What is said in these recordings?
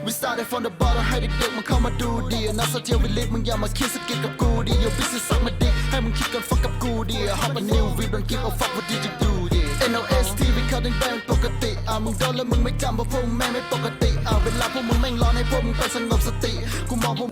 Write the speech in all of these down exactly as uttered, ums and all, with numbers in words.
We started from the bottom ให้เด็กๆมันเข้ามาดูดีนักโซเชียลวิลลิมึงอย่ามาคิดสกิลกับกูดิ Your business สักมาดิให้มึงคิดก่อนฟักกับกูดิ Hop a new we don't give a fuck what did you do ดิ เอ็น โอ เอส ที we cutting bang ปกติอ่ะมึงโดนแล้วมึงไม่จำเพราะพวกมึงแม่งไม่ปกติอ่ะเวลาพวกมึงแม่งร้อนให้พวกมึงไปสงบสติกูมองพวก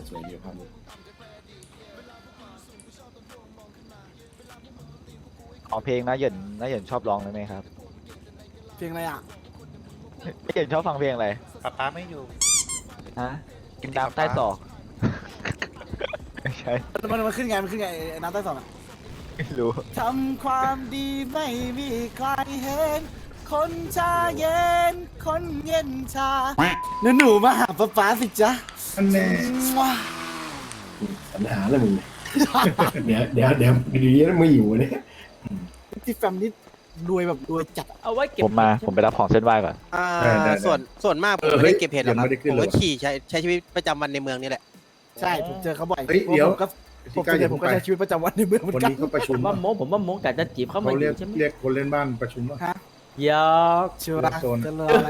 ขอเพลงนะเหยินนะเหยินชอบร้องไหมครับเพลงอะไรอ่ะเหยินชอบฟังเพลงอะไรป๊าป๊าไม่อยู่ฮะกินน้ำใต้ศอกไม่ใช่มันมันขึ้นไงมันขึ้นไงไอ้น้ำใต้สองอ่ะไม่รู้ทำความดีไม่มีใครเห็น คนชาเย็น คนเย็นชาหนูหนูมาหาป๊าป๊าสิจ๊ะอันแน่ว้าปัญหาแล้วมึงเนี่ยเดี๋ยวเดี๋ยวเดี๋ยวดีๆแล้วมึงอยู่เนี่ยที่แฟมนี่รวยแบบรวยจัดอะเอาไว้เก็บผมมาผมไปรับของเส้นไหว้ก่อนอ่าส่วนส่วนมากผมไม่ได้เก็บเห็ดหรอกครับผมก็ขี่ใช้ใช้ชีวิตประจำวันในเมืองนี่แหละใช่ผมเจอเขาบ่อยเฮ้ยเดี๋ยวผมก็ปกติผมก็ใช้ชีวิตประจำวันในเมืองเหมือวันนกันนี้เขาประผชุมมว่าโมผมว่าโมกะจะจีบเข้ามาเขาอเรียกยู่ใช่ไหมเรียกคนเล่นบ้านประชุมว่าฮะหยอกเชื่อรักโซนจะเลยอะไร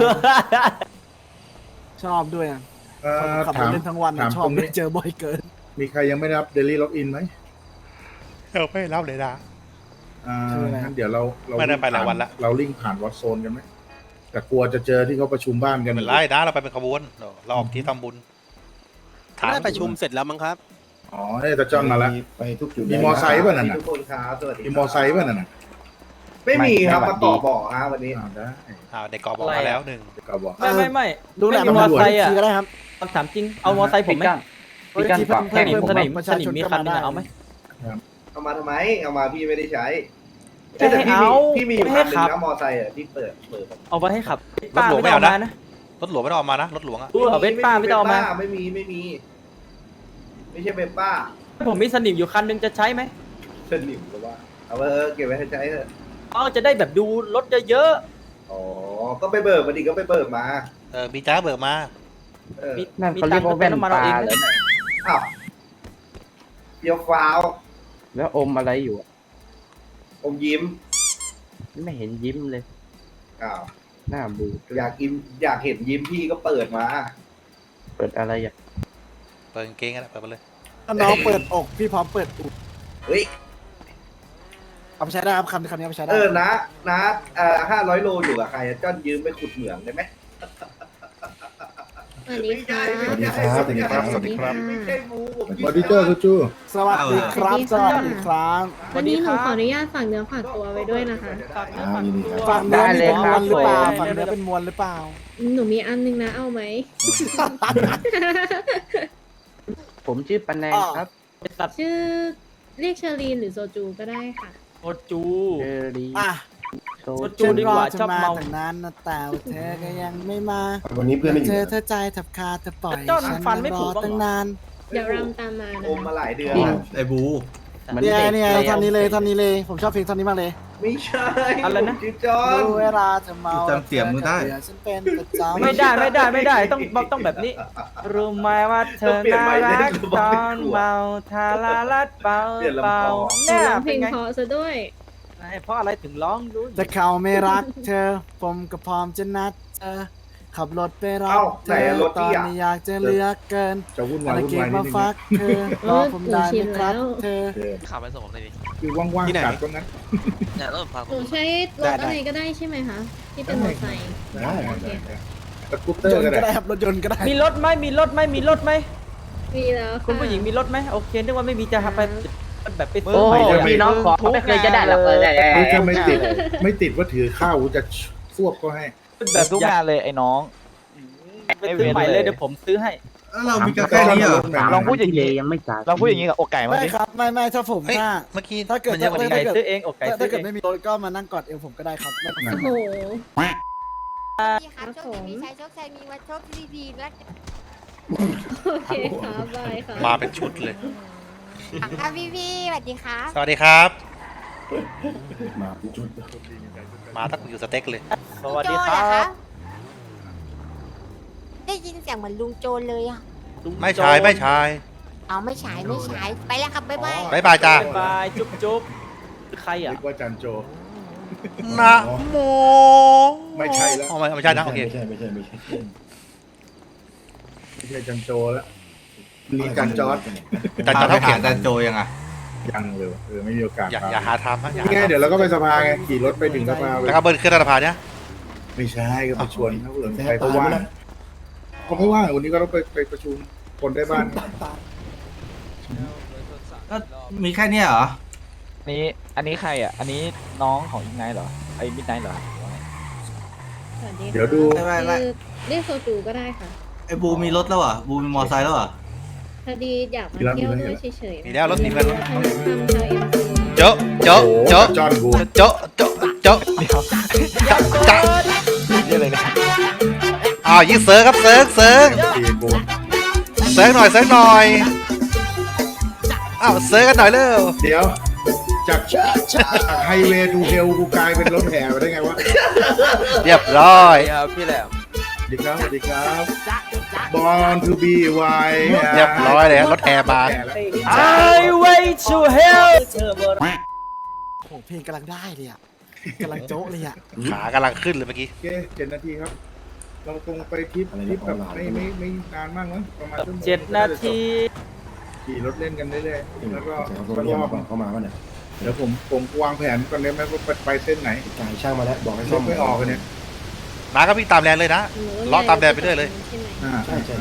ชอบด้วยอ่ะเอ่อขับรถาถมเล่นทั้งวันถาอะมชอตบรงไม่นี้เจอบ่อยเกินมีใครยังไม่ได้รับเดลี่ล็อกอินไหมเออไม่รับเลยนะอ่างั้นเดี๋ยวเราเราไม่ได้ไปหลายวันละเราลิงก์ผ่านวอตโซนกันไหมแต่กลัวจะเจอที่เขาประชุมบ้านกันเหมือนไล่นะเราไปเป็นขบวนเราออกที่ทำบุญได้ประชุมเสร็จแล้วมั้งครับอ๋อเนี่ยตาจ้อนมาแล้วไปทุกจุดมีมอไซค์ป่ะนั่นน่ะทุกคนครับสวัสดีมีมอไซค์ป่ะนั่นน่ะไม่มีครับไม่มาต่อบ่อฮะวันนี้อ่าได้อ้าวเด็กกอบอกมาแล้วหนึ่งก็บอกไม่ไม่ไม่ดูแลไม่มีมอไซค์อ่ะก็ได้ครับคำถามจริงเอามอไซค์ผมไหมพี่กันฝากสนิมเพิ่สมนิมประสชานิชมนมีก็คันมานึงได้อะเอาไหมเอามาทำไมเอามาพี่ไม่ได้ใช้จะให้แต่พี่มีเอาพี่มีอยู่ไม่คัให้นหนึ่ขังบนะมอไซค์อ่ะที่เปิดเปิดเอาไว้ให้ขับรถหลวงไม่เอาป้นะนะรถหลวงไม่ต้องเอามานะรถหลวงอะเออเวสป้าไม่ต้องเอามาไม่มีไม่มี ไม่ใช่เวสป้าผมมีสนิมอยู่คันนึงจะใช้ไหมสนิมหรือว่าเอาไว้เออเก็บไว้ให้ใช้เถอะอ๋อจะได้แบบดูรถเยอะอ๋อก็ไปเบิกมาดิก็ไปเบิกมาเออมีจ้าเบิกมาเออๆมีมีตังค์ก็เป็นน้ำมันเอาเองนะอ้าวเปียวฟ้าวแล้วอมอะไรอยู่อะอมยิ้มไม่เห็นยิ้มเลยอ้าวหน้าบูดอยากยิ้มอยากเห็นยิ้มพี่ก็เปิดมาเปิดอะไรอ่ะเปิดกางเกงกันเปิดไปเลยถ้าน้องเปิดอกพี่พร้อมเปิดอุดเฮ้ยเอาไปใช้ได้ครับคำคำนี้เอาไปใช้ได้เออนะนะเอ่อห้าร้อยโลอยู่กับใครอะจ้อนยืมไปขุดเหมืองได้ไหมสวัสดีค่ะสวัสดีครับสวัสดีครับสวัสดีครับไม่ใช่มูผมบอดี้เจอร์จูสวัสดีครับสวัสดีครับวันนี้หนูขออนุญาตฝากเนื้อฝากตัวไว้ด้วยนะคะฝากเนื้ออ่าฝากยินดีครับฝั่งเนื้อนี่เป็นมวลหรือเปล่าฝั่งเนื้อเป็นมวลหรือเปล่าหนูมีอันนึงนะเอาไหมผมชื่อปันแนงครับตัดชื่อเรียกเชอรีนหรือโซจูก็ได้ค่ะโอจูเจอรีอ่ะโซจูจูดีกว่าฉันชอบรเมาตั้งนานนะแต่ว่าเธอก็ยังไม่มาวันนี้เพื่อนไม่อเธยู่อเธอใจทับคาเธอปล่อยจ้อนฉันฟันไม่รผุอบ้างเหรอตั้งนานเดี๋ยวรำตามมานะอมมาคะหลายเดือนไอ้บูมันเนี่ยเด็กเนี่ยท่อนนี้เลยท่อนนี้เลย ผมชอบเพลงท่อนนี้มากเลยไม่ใช่อะไรนะจิ๊บจอนรู้เวลาจะเมาจำเสียงมึงได้เธอฉันเป็นประจำไม่ได้ไม่ได้ไม่ได้ต้องต้องแบบนี้ รู้ไหมว่าเธอน่ารักตอนเมาทาราลัดเบาเบาหนูเนี่ยร้องเพลเป็นงไงเพราะซะด้วยเพราะอะไรถึงร้องรู้แต่เขาไม่รักเธอ ผมก็พร้อมจะนัดเธอ ขับรถไปรัเอ้าบเธไหนออะรถตอพี่นอ่ะนี้อยากจะเหลือกเกินจะวุ่นอะวายไรวุ่นเก็บวายนิมาดนึงฟักเธอรอผมได้ไหมครับเธอขับไปส่งผมเลยดิคือว่างๆจัดก็งั้นเนี่ยรถพาหนูใช้รถอะไรก็ได้ใช่ไหมคะ ที่เป็นมอเตอร์ไซค์ได้โอเคได้สกูตเตอย ร์นก็ต์ก็ได้ได้ครับรถยนต์ก็ได้มีรถไหมมีรถไหมมีรถไหมมีแล้วค่ะคุณผู้หญิงมีรถไหมโอเคนึกว่าไม่มีจะไปแบบไปโอ้ซื้อใหม่โหเลยพี่น้องขอไม่เคยจะได้หรอกเลยคือถ้าไม่ติดไม่ติดว่าถือข้าวจะซวบก็ให้แบบทุกงานเลยไอ้น้องไปซื้อใหม่เลยเดี๋ยวผมซื้อให้เรามีกาแฟนี้เหรอลองพูดอย่างนี้ยังไม่จ่ายลองพูดอย่างนี้กับอกไก่มาไม่ดิครับไม่ไม่ถ้าผมเฮ้ยถ้าเมื่อกี้ถ้าเกิดมันเยอะกว่าอกนี้ไก่ซื้อเองอกไก่ถ้าซื้ถ้าอเกิดเองไม่มีรถก็มานั่งกอดเอวผมก็ได้ครับไม่โอ้โหพี่ครับโชคดีมีชัยโชคชัยมีวัดโชคที่ดีและโอเคค่ะบายค่ะมาเป็นชุดเลยอ่ะพี่พี่สวัสดีครับสวัสดีครับมาเป็นชุดมาตั้งอยู่สเต็กเลยสวัสดีลุงคโจรัเหอบได้ยินเสียงเหมือนลุงโจเลยอ่ะไม่ใช่ไม่ใช่เอาไม่ฉายไม่ฉายไปแล้วครับบ๊ายบายบายบายจ้าบายจุ๊บจุ๊บใครอ่ะนึกว่าจันโจนะโมไม่ใช่แล้วอ๋อไม่ไม่ใช่นะโอเคไม่ใช่ไม่ใช่ไม่ใช่ไม่ใช่จันโจแล้วมีจันจอร์ดจันจอร์ดเท่าเข็มจันโจยังอ่ะยังเลยเออไม่มีโอกาสอย่าอย่าหาทำนะอย่านี่ไงหาเดี๋ยวเราก็ไปสภาไงขี่รถไปถึงสภาแล้วก็เบิร์นขึ้นสะพานเนี่ยไม่ใช่ก็ไปชวนเขาเผื่อใครเขาว่างเขาไม่ว่างวันนี้ก็ต้องไปไปประชุมคนได้บ้านก็มีแค่เนี้ยเหรอนี่อันนี้ใครอ่ะ อันนี้น้องของอีกไนท์เหรอ ไอ้มิดไนท์เหรอสวัสดีค่ะเดี๋ยวดูไม่ไม่ไม่คือเรียกโซจูก็ได้ค่ะไอ้บูมีรถแล้วเหรอบูมีมอไซค์แล้วเหรอพอดีอยากมาเที่ยวด้วยเฉยๆมีแล้วรถมีแล้วทำทำชาวเอ็มซีโจ๊ะโจ๊ะโจ๊ะจอห์นบูโจ๊ะโจ๊ะโจ๊ะเดี๋ยวจ๊ะจ๊ะเรียกอะไรนะอ้าวยิงเซิร์ฟครับเซิร์ฟเซิร์ฟทีบูเซิร์ฟหน่อยเซิร์ฟหน่อยอ้าวเซิร์ฟกันหน่อยเร็วเดี๋ยวจากไฮเวย์ทูเฮลกูกลายเป็นรถแห่ไปได้ไงวะเรียบร้อยครับพี่แหลมสวัสดีครับสวัสดีครับ Born to be wild เรียบร้อยเลยรถแห่มา I wait to hell โอ้โหเพลงกำลังได้เลยอ่ะกำลังโจ๊ะเลยอ่ะขากำลังขึ้นเลยเมื่อกี้โอเคเจ็ดนาทีครับ เราคงไปทริปทริปแบบไม่ไม่ไม่นานมากมั้งประมาณชั่วโมงเจ็ดนาทีขี่รถเล่นกันเรื่อยๆแล้วก็เขาก็เรียรกอบเข้ามาป่ะเนี่ยเดี๋ยวผมผมวางแผนก่อนได้ไหมว่าไปไปเส้นไหนกายช่างมาแล้วบอกให้รซ่อถมไม่ออกกันเนี่ยน้าก็วิ่งตามแลนเลยนะ ล้อตามแดนไปเรื่อยเลยใช่ไหมอ่าใช่ใช่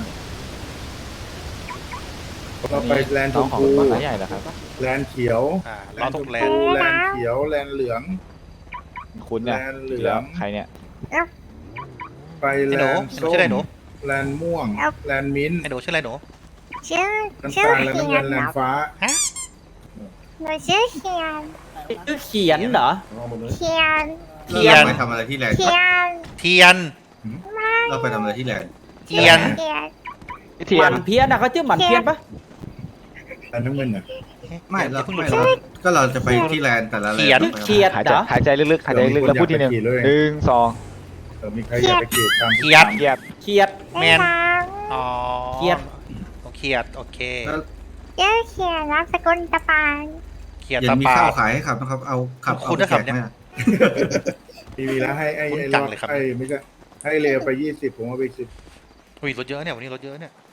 เราไปแลนด์ชน้องมของพูบางใหญ่เหรอครับแลนด์เขียวอ่าแลล้อนด์ตชกมแลพูนแลนด์เขียวแลนด์เหลืองคุณเนี่ยแลนด์เหลืองใครเนี่ยไปไอ้แลหนูนด์ไอ้หนูส้มชื่ออะไรหนูแลนด์ม่วงแลนด์มิ้นท์ไอ้หนูชื่ออะไรหนูชื่อน้ำตาลแลนด์น้ำเงินแลนด์ฟ้าหนูชื่อเขียนคือเขียนเหรอเอาหมดเลยเขียนเทียนไปทำอะไรที่แลนด์เขียนเทียนเราไปทำอะไรที่แลนด์เทียนเขียนเทีหยมัน นเพี้ยนนะเขาชื่อหมันเพี้ยนปะแลนด์น้ำเงินอ่ะไม่เราไม่เราก็เราจะไปที่แลนด์แต่ละแลนด์เขียนไปเขียนหายเหใจรอหายใจลึกๆหายใจลึกๆแล้วพูดทีหนึ่งหนึ่งสองเออมีใครอยากไปเกลียดตามเขียดเกียดเขียดแมน อ๋อเขียดเขียด โอเคแล้วชื่อเขียนนามสกุลตะปานเขียดเย็ตานมีปาข้าวดขายให้ขับนะครับเอาขับคุณเอานะครับแจกเนี่ยไหมอะมีมีแล้วให้ไอ้คุ้นไอ้จัรง อบเลยครับไอ้ไม่ใช่ให้เลวไปยี่สิบผมเอาไปสิบอุ้ยรถเยอะเนี่ยวันนี้รถเยอะเนี่ย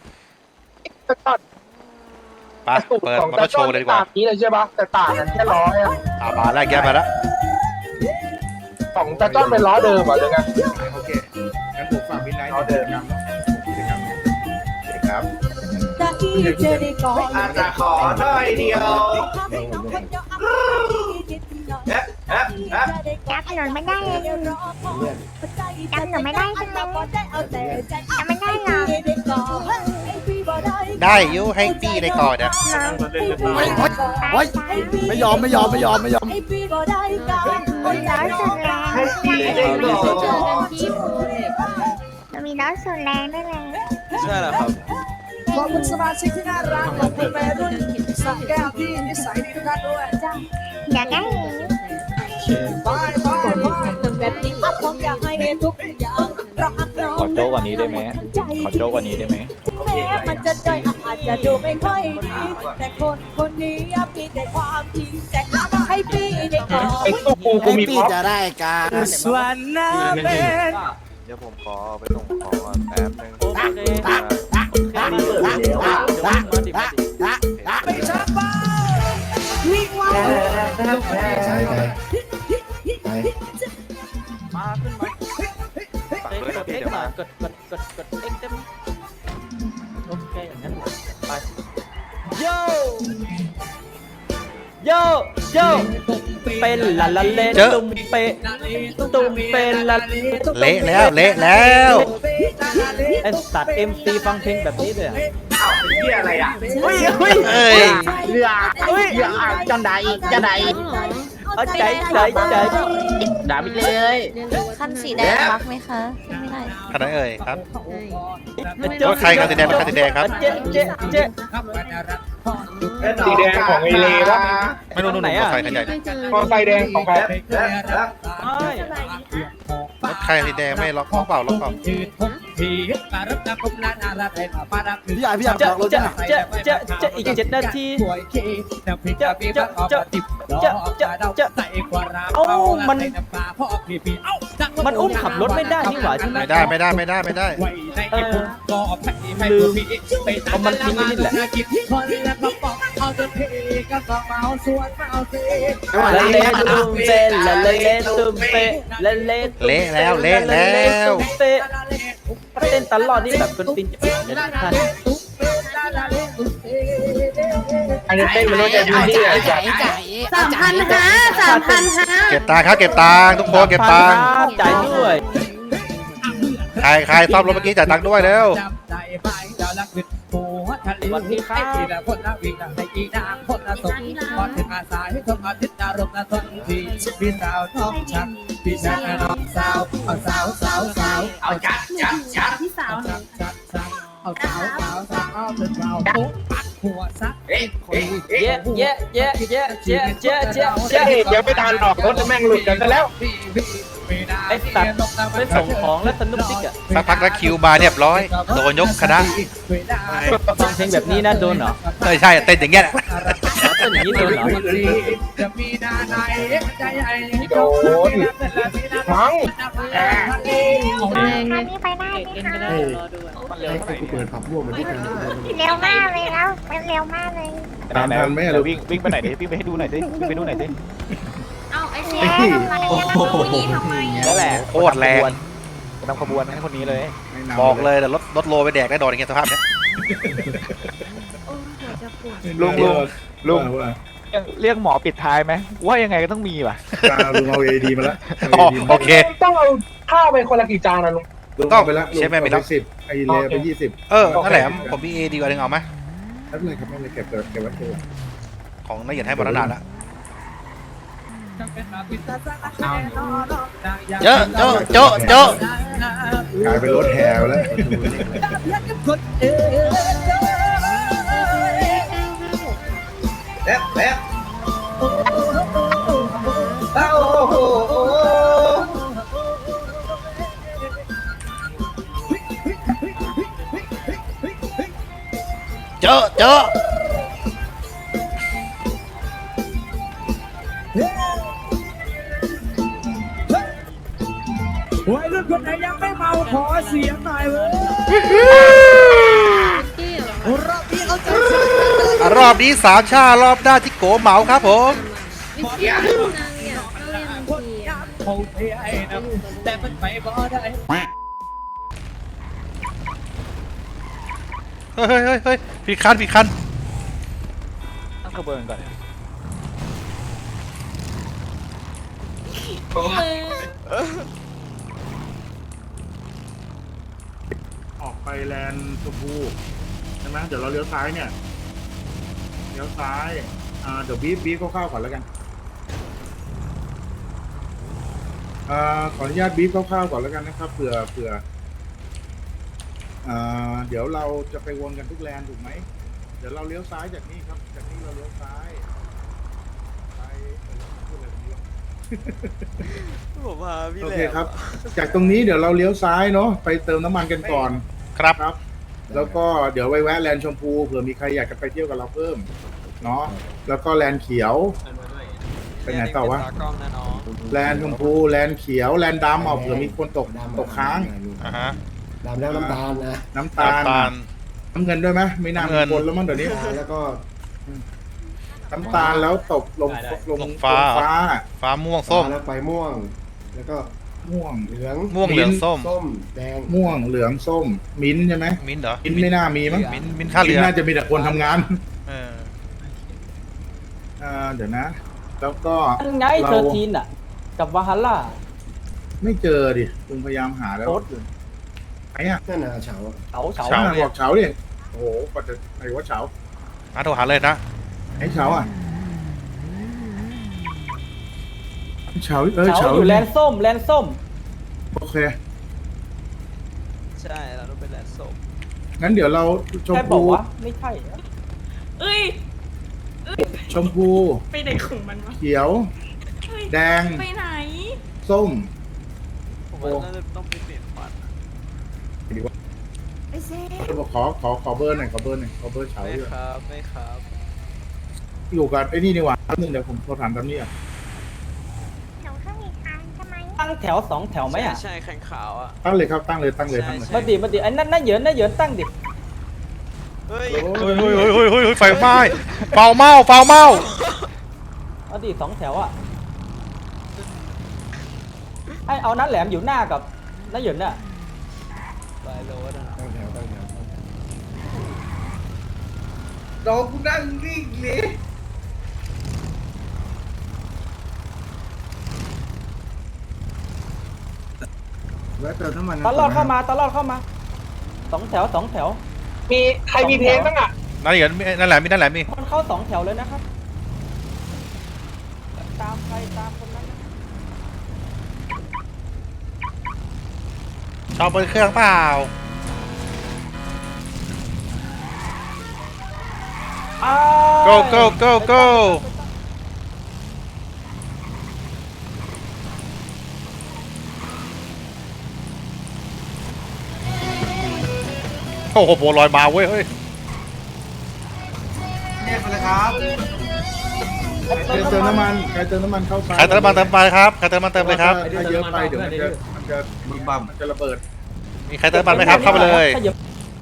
ไปเปิดมอเตอร์โชว์เลยดีกว่านี้เลยใช่ปะแต่ต่างกันแค่ล้ออ่ะอ่ามาแล้วแกมาแล้วของตาจ้อนเป็นล้อเดิมอ่ะเลยไงโอเคงั้นผมฝากมินไนท์ในกิจกรรมเนาะกิจกรรมโอเคครับอาจจะขอหน่อยเดียวจับถนนไม่ได้เลยจำหนูไม่ได้ใช่ไหมจำไม่ได้หรอได้อยูให้ปี้ในก่อนนะเฮ้ยเฮ้ยเฮ้ยไม่ยอมไม่ยอมไม่ยอมไม่ยอมมีล้อสุดแรงเจอกันที่โพเล็กมีล้อสุดแรงด้วยเลยใช่แล้วครับขอบคุณสมาชิกที่น่ารักขอบคุณแม่รุ่นสักแก้วที่นิสัยดีทุกท่านด้วยอยากได้เห็นบายบายบายแบบนี้ผมอยากให้ทุกอย่างรักน้องขอโจ๊กกว่านี้ได้ไหมขอโจ๊กกว่านี้ได้ไหมแม้มันจะใจอาจจะดูไม่ค่อยดีแต่คนคนนี้มีแต่ความจริงแต่ให้พี่ได้ก่อนไอ้ตุ๊กกูกูมีพร้อมจะได้การสวนน้ำเป็นเดี๋ยวผมขอไปส่งของแป๊บนึงโอเคมาดิมาดิไม่ชักบ้าวิ่งว่าใช่ใช่ไปมาขึ้นมาเอ็กซ์เอ็กซ์มากดกดกดกดเอ็กซ์เต็มโอเคอย่างนั้นไปโยโยโยเป็นละละเล่นตุ้มเปตุ้มเป็นละเละแล้วเละแล้วไอ้สัตว์เอ็มซีฟังเพลงแบบนี้เลยอ่ะเหี้ยอะไรอ่ะเฮ้ยเฮ้ยเอ้ยเรือเฮ้ยจังไดจังไดเอาใจใจใจด่าไปเลยคันสีแดงรักไหมคะไม่ได้ขนาดเอ่ยครับเจ๊รถใครครับสีแดงรถใครสีแดงครับเจ๊เจ๊เจ๊สีแดงของไอเลวะไม่รู้นู่นไหนอ่ะรถใครคันใหญ่ไม่เจอมอไซค์แดงของใครรถใครสีแดงไม่ล็อกล็อกเปล่าล็อกเปล่าพี่ใหญ่พี่ใหญ่เจ๊บอกรถเจ๊จ้ะเจ๊เจ๊เจ๊อีกเจ็ดนาทีเจ๊เจ๊เจ๊เจ๊เจ๊เจ๊เจ๊เอ้ามันมันอุ้มขับรถไม่ได้นี่หว่าใช่ไหมไม่ได้ไม่ได้ไม่ได้ไม่ได้เออลืมเอามันทิ้งไว้นี่แหละละเละตุ้มเปละเละตุ้มเปละเละเละแล้วเละแล้วเปเต้นตลอดนี่แบบเป็นตินจะเป็นเลยนะท่านอันนี้เต้นมันรู้ใจดีที่ไหนจ่ายสามพันห้าสามพันห้าเก็บตังค์ครับเก็บตังค์ทุกคนเก็บตังค์จ่ายด้วยใครใครซ่อมรถเมื่อกี้จ่ายตังค์ด้วยเร็วสวัสดีครับเอาจัดจัดจัดพี่สาวเย้เย้เย้เย้เย้เย้เย้เย้เดี๋ยวไม่ทันออกรถแม่งหลุดกันซะแล้วไอ้สัตว์ไม่ส่งของแล้วสนุกดิกอะสักพักแล้วคิวมาเรียบร้อยโดนยกคณะฟังเพลงแบบนี้นะโดนเหรอใช่ใช่เต้นอย่างเงี้ยแหละเต้นอย่างนี้โดนเหรอโดนมั้งอันนี้ไปได้ไหมคะให้กูเปิดผับร่วมมันที่กันเร็วมากเลยแล้วเร็วมากเลยตามทันไหมอะลูกวิ่งวิ่งไปไหนดิวิ่งไปให้ดูหน่อยสิวิ่งไปดูหน่อยสิเอาไอ้เชี่ยมาแล้วนะผู้หญิงทำไมนั่นแหละโคตรแรงนำขบวนให้คนนี้เลยไม่นำบอกเลยแต่รถรถโลไปแดกได้โดนอย่างเงี้ยสภาพเนี้ยลุงลุงลุงว่าเรียกหมอปิดท้ายไหมว่ายังไงก็ต้องมีว่ะว่าลุงเอาเอดีมาแล้วอ๋อโอเคต้องเอาข้าวไปคนละกี่จานนะลุงลุงต้องเอาไปแล้วใช่ไหมไม่ต้องสิบไอเลไปยี่สิบเออนั่นแหละผมมีเอดีกว่าหนึ่งเอาไหมไม่เป็นไรครับไม่เป็นไรเก็บเก็บเก็บไว้เก็บไว้ของนายเหยียดให้บรรดาละเจอะโจะโจะโจะกลายเป็นรถแห่ไปแล้วเจอะเจอะวัยรุ่นคนไหนยังไม่เมาขอเสียงหน่อยเว้ยรอบนี้สามชารอบหน้าที่โกเหมาครับผมเขาเทไอ้นะแต่มันไปบ่ได้เฮ้ยเฮ้ยเฮ้ยเฮ้ยผิดคันผิดคันตั้งขบวนก่อนออกไปแลนด์ชมพูใช่ไหมเดี๋ยวเราเลี้ยวซ้ายเนี่ยเลี้ยวซ้ายอ่าเดี๋ยวบีบบีบคร่าวๆก่อนแล้วกันอ่าขออนุญาตบีบคร่าวๆก่อนแล้วกันนะครับเผื่อเผื่ออ่าเดี๋ยวเราจะไปวนกันทุกแลนด์ถูกไหมเดี๋ยวเราเลี้ยวซ้ายจากนี่ครับจากนี่เราเลี้ยวซ้ายไปเอ่อพูดอะไรตรงนี้วะผมพาพี่โอแหลเคมครับ จากตรงนี้เดี๋ยวเราเลี้ยวซ้ายเนาะไปเติมน้ำมันกันก่อนครับครับ แล้วก็เดี๋ยวไปแวะแลนด์ชมพูเผื่อมีใครอยากจะไปเที่ยวกับเราเพิ่มเนาะแล้วก็แลนด์เขียวไปไหนต่อวะตากล้องนะน้องแลนด์ชมพูแลนด์เขียวแลนด์ดำเอาเผื่อมีคนตกตกค้างอ่าฮะดำแล้วน้ำตาลนะน้ำตาลน้ำตาลน้ำเงินด้วยไหมไม่น่าน้ำมีเงินคนแล้วมั้งเดี๋ยวนี้แล้วก็น้ำตาลแล้วตกลงลงลงฟ้าลงฟ้าฟ้าม่วงส้มแล้วไปม่วง แล้วก็ม่วงเหลืองม่วงเหลืองส้มส้มแดงม่วงเหลืองส้มมิ้นท์ใช่ไหมมิ้นท์เหรอมิ้นท์ไม่น่ามีมั้งมิ้นท์มิ้นท์ท่าเรือมิ้นท์น่าจะมีแต่คนทำงานเอออ่าเดี๋ยวนะ แล้วก็อันไงเธอทีนอ่ะ กับวาฮัลล่าไม่เจอดิลุงพยายามหาแล้วโอ๊ตไหนอ่ะนั่นน่ะเฉาเฉาเฉาเฉาบอกเฉาดิโอ้โหกว่าจะไหนว่าเฉามาโทรหาเลยนะไอ้เฉาอ่ะเฉาเออเฉาเฉาอยู่แลนด์ส้มแลนด์ส้มโอเคใช่เราต้องเป็นแลนด์ส้มงั้นเดี๋ยวเราชมแค่บอพูกว่าไม่ใช่อะเอ้ยชมพูไปไหนของมันวะเขียว แดงไปไหนส้มผมว่าน่าจะต้องไปเปลี่ยนฟันไอ้เซ่ขอขอขอเบอร์หน่อยขอเบอร์หน่อยขอเบอร์เฉาไม่ด้วยครับไม่ครับอยู่กับไอ้นี่ดีกว่าแป๊บนึงเดี๋ยวผมโทรถามตามนี้อ่ะหนูก็มีทางใช่ไหมตั้งแถวสองแถวไหมอ่ะใช่แข่งขาวอ่ะตั้งเลยครับตั้งเลยตั้งเลยตั้งเลยมาดิมาดิไอ้นั่นน่าเหยินน่าเหยินตั้งดิเฮ้ยเฮ้ยเฮ้ยเฮ้ยเฮ้ยเฮ้ยไฟไหม้เฝ้าเมาเฝ้าเมามาดิสองแถวอ่ะให้เอานัดแหลมอยู่หน้ากับน่าเหยินน่ะไปโลนะตั้งแถวตั้งแถวดอกกูนั่งนิ่งเลยแวะเติมน้ำมันตลอดเข้ามาตลอดเข้ามาสองแถวสองแถวมีใครมีเพลงบ้างอ่ะนั่นเหรอนั่นแหละมีนั่นแหละมีคนเข้าสองแถวเลยนะครับตามใครตามคนนั้นนะชอบเปิดเครื่องเปล่าอ้าว go go go go โอ้โหโบลอยมาเว้ยเฮ้ยเนี่ยไปเลยครับใครเติมน้ำมันใครเติมน้ำมันเข้าซ้ายใครเติมน้ำมันเติมไปครับใครเติมน้ำมันเติมเลยครับถ้าเยอะไปเดี๋ยวมันจะมันจะบึ้มบั่มมันจะระเบิดมีใครเติมน้ำมันไหมครับเข้าไปเลยขยับ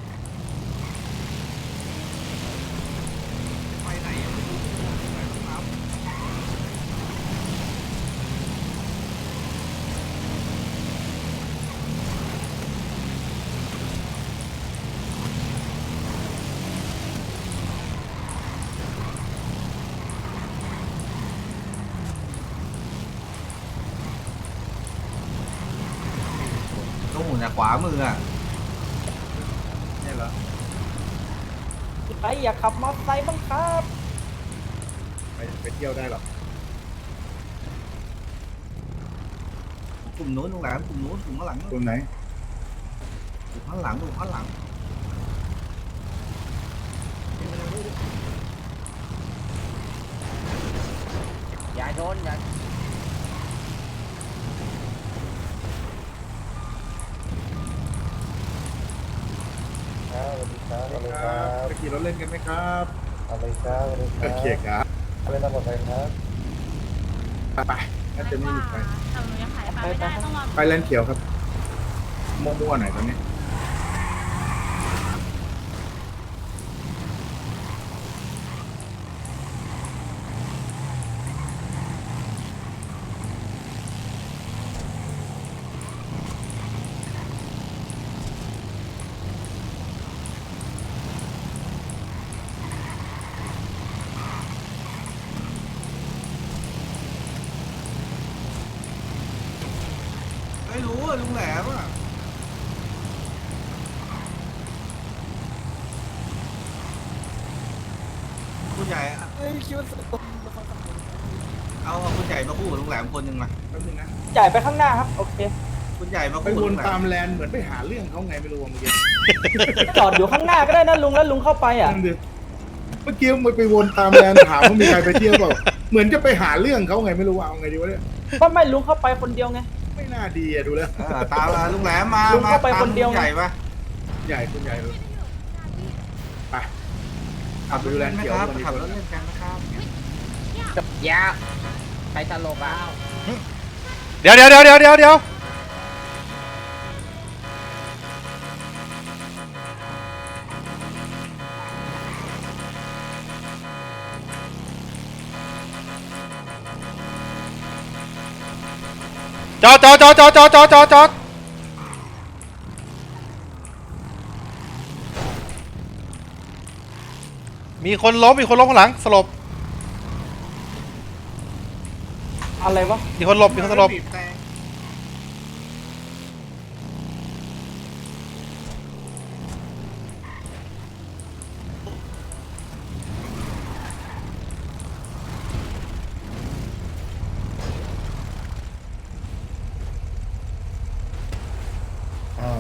ต้องหมุนจากขวามืออ่ะเนี่ยเหรอใครอยากขับมอเตอร์ไซค์บ้างครับไปไปเที่ยวได้หรอกกลุ่มนู้นตรงหลังกลุ่มนู้นกลุ่มข้างหลังตรงไหนกลุ่มข้างหลังกลุ่มข้างหลังอย่าโดนอย่าครับไปขี่รถเล่นกันไหมครับอะไรครับอะไรคโอรับเคครับอะไรตามบอกไปครับไปไปน่าจะไม่หยุดไปแต่หนูยังขายปลาไม่ได้ต้องรอไปแลนด์เขียวครับมั่วๆหน่อยตอนนี้ไม่รู้อ่ะลุงแหลมอ่ะคุณใหญ่อะเฮ้ยคิดว่าเอาเอาคุณใหญ่มาคู่กับลุงแหลมคนหนึ่งมาแป๊บนึงนะจ่ายไปข้างหน้าครับโอเคคุณใหญ่มาไปคู่วกับลุนงแหลตาม มแลนด์เหมือนไปหาเรื่องเขาไงไม่รู้ว่าเมื่อกี้จอดอยู่ข้างหน้าก็ได้นะลุงแล้วลุงเข้าไปอ่ะนั่นดิเมื่อกี้มันไปวนตามแลนด์ถามว่ามีใครไปเที่ยวเปล่าเหมือนจะไปหาเรื่องเขาไงไม่รู้ว่าเอาไงดีวะเนี่ยก็ไม่ลุงเข้าไปคนเดียวไงไม่น่าดีอะดูแล้วเออตามมาลุงแหลมมาลุงมาเข้าไปตามคนเดียวลุงใหญ่ปะใหญ่คุณใหญ่เลยไปขับไปดูดูแลแลนนไหมด์เขียวครับวันนี้ขับรถเล่นกันนะครับยาใครตลกอ่ะเดี๋ยวเดี๋ยวเดี๋ยวเดี๋ยวเดี๋ยวเดี๋ยวจอดจอดจอดจอดจอดจอดจอดจอดมีคนล้มมีคนล้มข้างหลังสลบอะไรวะมีคนหลบมีคนสลบบีบแต่อ้าว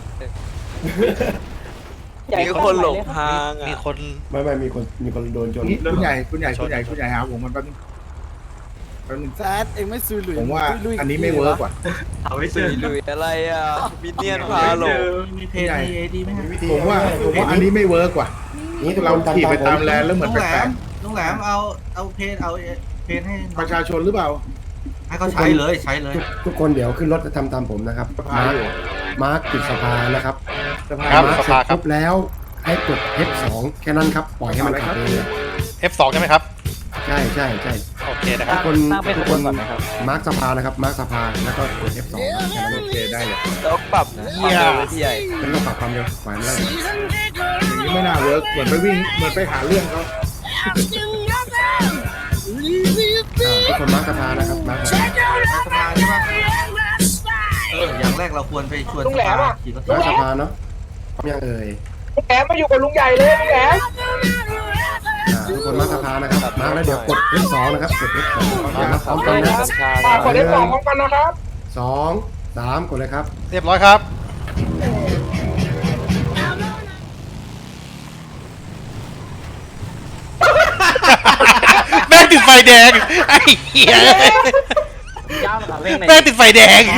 ใหญ่มีคนหลงทางมีอ่ะคนไม่ไม่มีคนมีคนโดนชนนี่คุณใหญ่คุณใหญ่คุณใหญ่คุณใหญ่หาผมมันแป๊บนึงแป๊บนึงแซดเองไม่ซุยหลุยผมว่าลุยอันนี้ไม่เวิร์กว่ะเอาไปซื้อลุยอะไรอ่ะมิเนียนพาหลงมีเพจในเอดีไหมฮะผมว่าผมว่าอันนี้ไม่เวิร์กว่ะนี่เราขี่ไปตามแลนด์แล้วเหมืลุอนงแหลแปลมกลุงแหลมเอาเอาเพจเอาเพจให้ๆประชาชนหรือเปล่าให้เขาใช้เลยใช้เลยทุกทุกคนเดี๋ยวขึ้นรถจะทำตามผมนะครับสภามาร์คอยู่มาร์คปิดสภานะครับสภาครับมาร์คสเสร็ภาจครับปุ๊บแล้วให้กด เอฟ สอง แค่นั้นครับ ปล่อยให้มันขับเองเลยเอฟ สอง ใช่ไหมครับใช่ใช่ใช่โอเคนะครับทุกคนตั้งเป็นทุกขคบวนนก่อนนะครับมาร์คสภานะครับ มาร์คสภาแล้วก็กด เอฟ สอง แค่นั้นโอเคได้เลยแล้วปรับเยี่ยพี่ใหญ่ไม่ต้องปรับความเร็วปล่อยมันไล่อย่างนี้ไม่น่าเวิร์กเหมือนไปวิ่งเหมือนไปหาเรื่องเขาอ่าทุกคนมาร์คสภานะครับมาร์คสภาสภาใช่ปะเอออย่างแรกเราควรไปชวนสภาขี่รถมาร์คสภาเนาะพร้อมยังเอ่ยลุงแหลมมาอยู่กับลุงใหญ่เลยลุงแหลมอ่าทุกคนมาร์คสภานะครับมาร์คแล้วเดี๋ยวกด เอฟ สอง นะครับกด เอฟ สอง เดี๋ยวนับพร้อมกันนะฝากกดได้สองพร้อมกันนะครับสองสามกดเลยครับเรียบร้อยครับ แม่งติดไฟแดง ไอ้เหี้ยย่ามขาเร่งในแม่งติดไฟแดง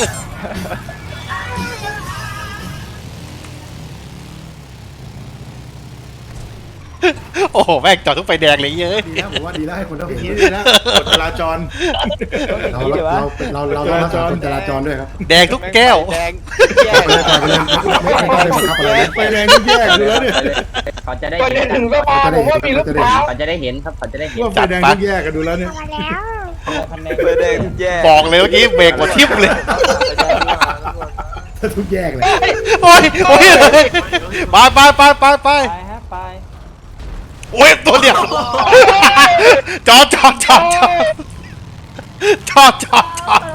โอ้โห แม่งจอดทุกไฟแดงเลยเย้ยดีแล้วผมว่าดีแล้วให้คนต้องอเห็ย่าน งนี้ดีนะกฎจราจรเราเราเราเราเราต้องรักษากฎจราจรด้วยครับแดงทุกแก้วแดงแยกเลยไปเลยไม่ไม่ไม่บังคับอะไรนะไฟแดงนี่แย่เลยแล้วเนี่ยเขาจะได้ก่อนจะถึงสภาผมว่ามีหรือเปล่าเขาจะได้เห็นครับเขาจะได้เห็นว่าไฟแดงนี่แย่กันดูแล้วเนี่ยมาแล้วเบอร์แดงแย่บอกเลยเมื่อกี้เบรกหมดทิ่มเลยทุกแยกเลยโอ้ยโอ้ยไปไปไปไปไปไปฮะไปโอ้ยตัวเดียวจอดจอดจอดจอดจอดจอดจอด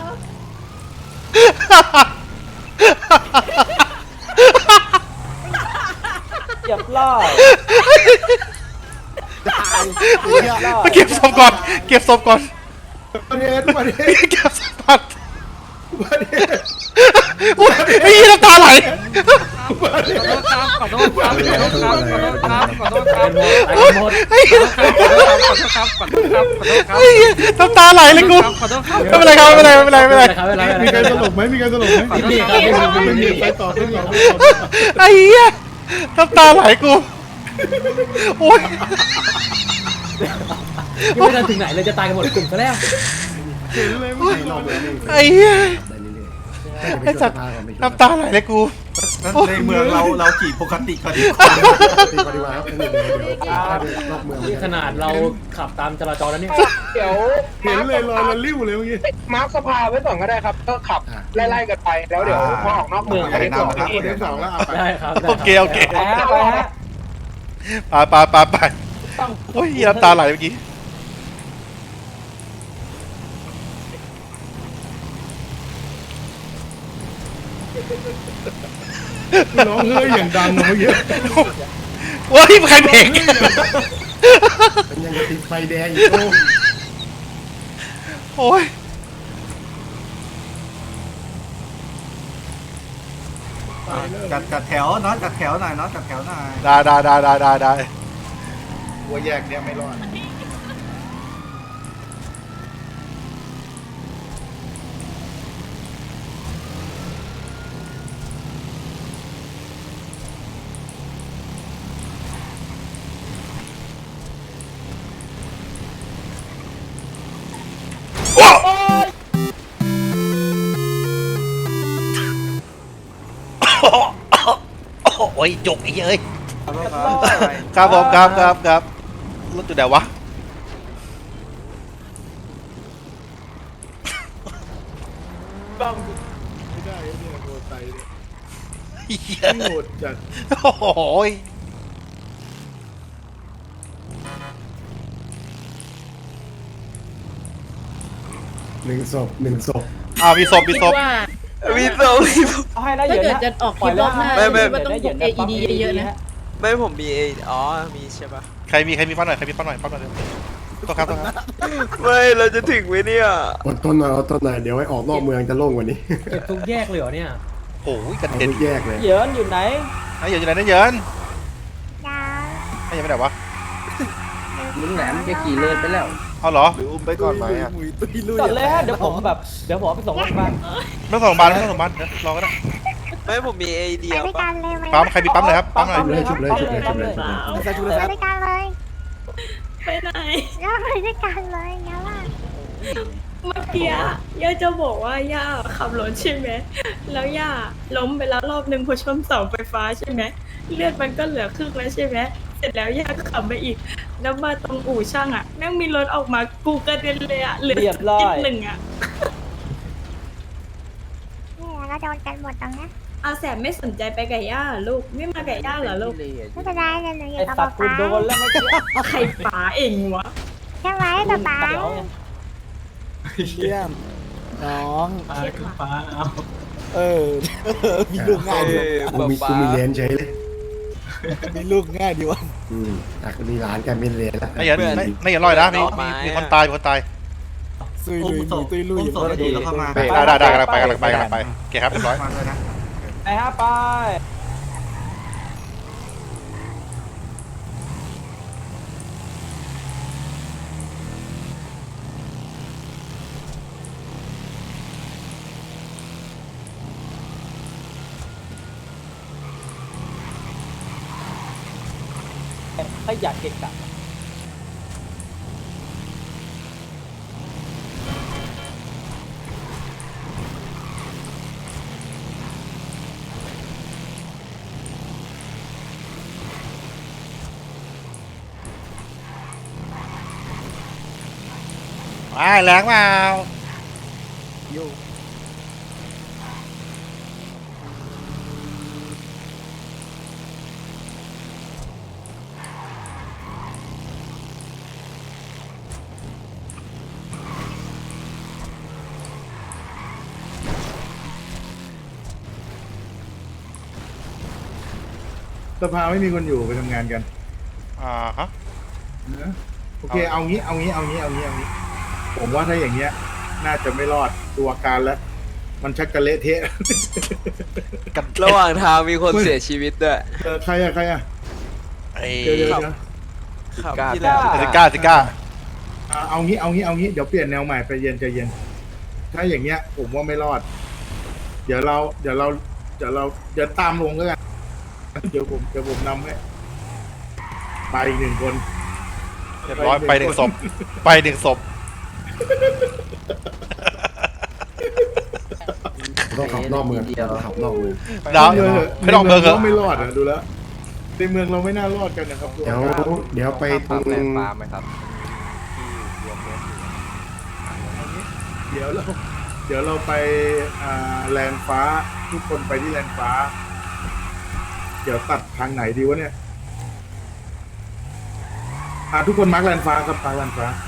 เรียบร้อยมาเก็บศพก่อนเก็บศพก่อนประเด็นประเด็นเก็บศพก่อนประเด็นโอ้ยไอ้ยี่น้ำตาไหลขอโทษครับขอโทษครับขอโทษครับขอโทษครับหมดไอ้เหี้ยขอโทษครับขอโทษครับขอโทษครับไอ้เหี้ยน้ำตาไหลเลยกูขอโทษครับไม่เป็นไรครับไม่เป็นไรไม่เป็นไรไม่เป็นไรมีการสลบไหมมีการสลบไหมมีครับไม่มีไปต่อไปต่อไปต่อไอ้เหี้ยน้ำตาไหลกูโอ้ยยังไม่ทันถึงไหนเลยจะตายกันหมดกลุ่มซะแล้วเห็นเลยไม่รอบเมืองนี่ไอ้เหี้ยได้เรื่อยๆไอ้สัตว์น้ำตาไหลเลยกูในเมืองเราเราขี่ปกติก็ดีตีปฏิวัติครับเดี๋ยวเดี๋ยวเดี๋ยวรอบเมืองนี่ขนาดเราขับตามจราจรแล้วเนี่ยเดี๋ยวเห็นเลยรอยละลิ้วเลยเมื่อกี้มาร์คสภาไว้ก่อนก็ได้ครับ ก็ขับไล่ๆกันไปแล้วเดี๋ยวพอออกนอกเมืองจะได้ตรวจครับที่เทปสองแล้วเอาไปได้ครับโอเคโอเคไปฮะไปฮะไปไปไปไปโอ้ยน้ำตาไหลเมื่อกี้ร้องเฮ้ยอย่างดังเมื่อกี้โอ้ยใครเบรกเป็นยังไงติดไฟแดงอยู่โอ้โอ้ยจัดจัดแถวเนาะจัดแถวหน่อยเนาะจัดแถวหน่อยได้ได้ได้ได้ได้ได้วัวแยกเนี่ยไม่รอดโอ้ยจุกไอ้เอ้ยครับผมครับครับครับรถอยู่ไหนวะไม่ได้เนี่ยโหดใจเนี่ยเหี้ยโหดจัดโอ้ยหนึ่งศพหนึ่งศพอ่ามีศพมีศพมีโซเอาให้ได้เยอะนะจะออกคลิปรอบหน้าไม่ไม่ไม่ต้องกด เอ อี ดี เยอะๆนะไม่ผมมีเออ๋อมีใช่ปะใครมีใครมีฟันหน่อยใครมีฟันหน่อยฟันหน่อยต้องครับต้องครับไม่เราจะถึงไหมเนี่ยอดทนหน่อยอดทนหน่อยเดี๋ยวให้ออกนอกเมืองจะโล่งกว่านี้เก็บทุกแยกเลยเหรอเนี่ยโอ้ยกระเอาเด็นทุกแยกเลยเหยินอยู่ไหนไอ้เหยินอยู่ไหนนะเหยินยาไอ้เหยินไปไหนวะลุงแหลมจะขี่เลยไปแล้วเอาเหรอหรืออุ้มไปก่อนไหมอ่ะจอดเลยฮะเดี๋ยวผมแบบเดี๋ยวผมเอาไปส่งโรงพยาบาลไม่ต้องส่งโรงพยาบาลไม่ต้องส่งโรงพยาบาลเดี๋ยวรอก็ได้ไม่ผมมีเอเดีไปยวด้วยปะกันเลยไหมปั๊มใครมีปั๊มเลยครับปั๊มหน่อยชุบเลยชุบเลยชุบเลยชุบเลยชุบเลยไปด้วยกันเลย ไปไหนแล้วไปด้วยกันเลยงั้นล่ะเมื่อกี้ย่าจะบอกว่าย่าขับรถใช่ไหมแล้วย่าล้มไปแล้วรอบหนึ่งพอชนเสาไฟฟ้าใช่ไหมเลือดมันก็เหลือครึ่งแล้วใช่ไหมเสร็จแล้วย่าก็ขับไปอีกแล้วมาตรงอู่ช่างอ่ะแม่งมีรถออกมากูกระเด็นเลยอ่ะเหลือเรียบร้อยนิดหนึ่งอ่ะนี่เราโดนกันหมดตรงนี้อาแสบไม่สนใจไปกับย่าเหรอลูกไม่มากับย่าเหรอลูกไม่เป็นไรเลยหนูอยู่ไอ้กับสัป๊าตว์กูป๊าโดนแล้วเมื่อกี้ใครป๋าเองวะใช่ไหมป๊าป๊าเดี๋ยวไงเยี่ยมน้องปลาคือปลาเอาเออ มีลูกง่ายดีกูมีกูมีเลนเฉยเลยมีลูกง่ายดีวะอืมแต่ก็มีร้านกันเป็นเลนแล้วไม่อย่าไม่ไม่อย่าลอยนะมีมีมีคนตายมีคนตายซุยอุ้ลุมยศมีพตุยลุยอุ้มศพดีแล้วเข้ามาได้ได้ได้กำลังไปกำลังไปกำลังไปโอเคครับเรียบร้อยมาด้วยนะไปฮะไป ขยะเกะกะไปแรงเปล่าสภาไม่มีคนอยู่ไปทำงานกันอ่าฮะนะโอเคเอางี้เอางี้เอางี้เอางี้เอางี้ผมว่าถ้าอย่างเงี้ย น่าจะไม่รอดตัวการแล้ว มันชักจะเละเทะระหว่างทางมีคนเสียชีวิตด้วยเออใครอะใครอะไอ้เดี๋ยวเดี๋ยวเดี๋ยวครับที่ซิก้าซิก้าอ่าเอางี้เอางี้เอางี้เดี๋ยวเปลี่ยนแนวใหม่ไปเย็นใจเย็น ถ้าอย่างเงี้ย ผมว่าไม่รอด เดี๋ยวเราเดี๋ยวเราเดี๋ยวเราเดี๋ยวตามลงแล้วกันเดี๋ยวผมเดี๋ยวผมนำให้ไปอีกหนึ่งคนเรียบร้อยไปหนึ่งศพไปหนึ่งศพต้องขับนอกเมืองต้องขับนอกเมืองดาวไม่ต้องเมืองเหรอไม่รอดอะดูแล้วในเมืองเราไม่น่ารอดกันนะครับเดี๋ยวเดี๋ยวไปตรงเดี๋ยวเราเดี๋ยวเราไปอ่าแลนด์ฟ้า ทุกคนไปที่แลนด์ฟ้า เดี๋ยวตัดทางไหนดีวะเนี่ยอ่าทุกคนมาร์กแลนด์ฟ้าครับมาร์กแลนด์ฟ้า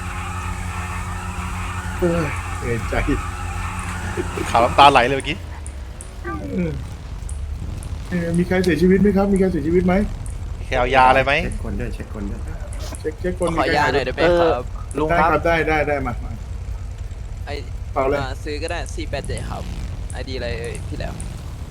เออเอยใจขาวน้ำตาไหลเลยเมื่อกี้เออเอ่อมีใครเสียชีวิตไหมครับ มีใครเสียชีวิตไหมแคลยาอะไรไหมเช็คคนด้วยเช็คคนด้วยเช็คเช็คคนขอยาหน่อยได้ไหมครับลุงได้คครับ รับได้ได้ได้มามาไอเปล่าเลยซื้อก็ได้สี่แปดเจ็ดครับไอดีอะไรเอ่ยพี่แล้ว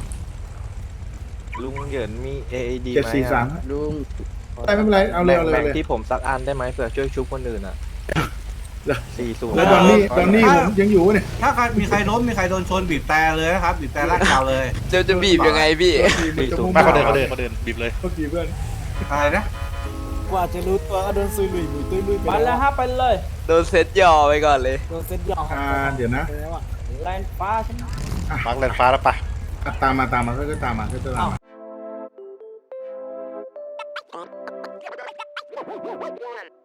ลุงเหยินมี เอ ไอ ดีเจ็ดไหมสี่สามลุงได้ไม่เป็นไรเอาเลยเอาเลยแบ่งเอาเลยที่ผมสักอันได้ไหมเผื่อช่วยชุบคนอื่นอ่ะสี่ศูนย์แล้วตอนนี้ตอนนี้ผมยังอยู่เนี่ยถ้าใครมีใครล้มมีใครโดนชนบีบแต่เลยนะครับบีบแต่ลากยาวเลยจะจะบีบยังไงพี่ไม่เขาเดินเขาเดินเขาเดินบีบเลยโทษทีเพื่อนอะไรนะกว่าจะรู้ตัวก็โดนซุยลุยมีตุยลุยไปไปแล้วฮะไปเลยโดนเซตย่อไปก่อนเลยโดนเซ็ตยองอ่าเดี๋ยวนะไปแล้วอะแลนด์ฟ้าใช่ไหมมาร์กแลนด์ฟ้าแล้วปะอ่ะตามมาตามมาก็ตามมาก็ตามมา